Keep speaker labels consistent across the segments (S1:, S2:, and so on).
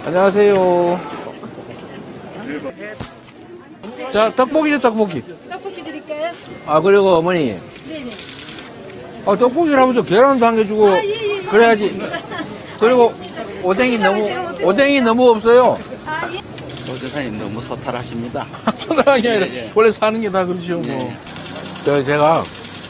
S1: 안녕하세요. 자, 떡볶이죠, 떡볶이.
S2: 떡볶이 드릴까요?
S1: 아, 그리고 어머니.
S2: 네네.
S1: 아, 떡볶이라면서 계란도 한 개 주고.
S2: 아, 예, 예.
S1: 그래야지. 그리고 오뎅이 너무 없어요.
S2: 아, 예.
S3: 조대사님 너무 소탈하십니다.
S1: 소나랑이 아니라
S3: 예, 예.
S1: 원래 사는 게 다 그렇죠, 뭐.
S3: 예.
S1: 제가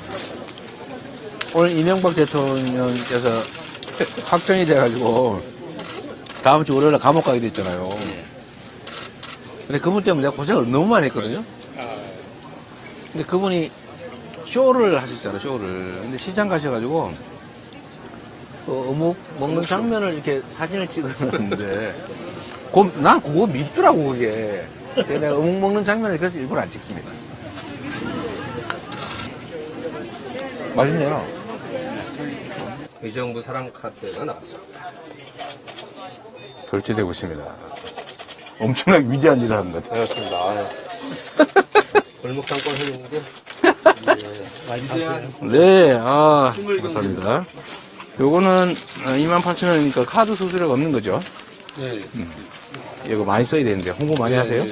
S1: 오늘 이명박 대통령께서 확정이 돼가지고 다음 주 월요일에 감옥 가게 됐잖아요. 근데 그분 때문에 내가 고생을 너무 많이 했거든요. 근데 그분이 쇼를 하셨잖아요, 쇼를. 근데 시장 가셔가지고 그 어묵 먹는 장면을 이렇게 사진을 찍었는데 난 그거 밉더라고, 그게. 그래서 내가 어묵 먹는 장면을 그래서 일부러 안 찍습니다. 맛있네요.
S4: 의정부 사랑카드가 나왔습니다.
S1: 결제되고 있습니다. 엄청나게 위대한 일을 하는 것 같아요.
S4: 반갑습니다. 골목상권 회원인데 많이 드세요.
S1: 네, 감사합니다. 요거는 28,000원이니까 카드 수수료가 없는 거죠?
S4: 네.
S1: 이거 많이 써야 되는데 홍보 많이 하세요?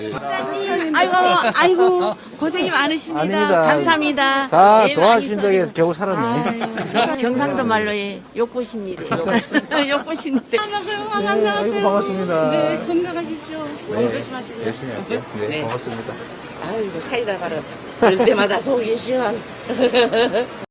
S5: 아이고, 고생이 많으십니다.
S1: 아닙니다.
S5: 감사합니다.
S1: 다
S5: 예,
S1: 도와주신
S5: 많이
S1: 덕에 겨우 살았네.
S5: 아유, 경상도 말로 욕보십니다. 욕보십니다.
S1: 아이고, 반갑습니다.
S5: 네, 건강하십시오.
S1: 네, 열심히 할게요. 네, 고맙습니다.
S5: 아이고, 사이다 바로 볼 때마다 속이 시원.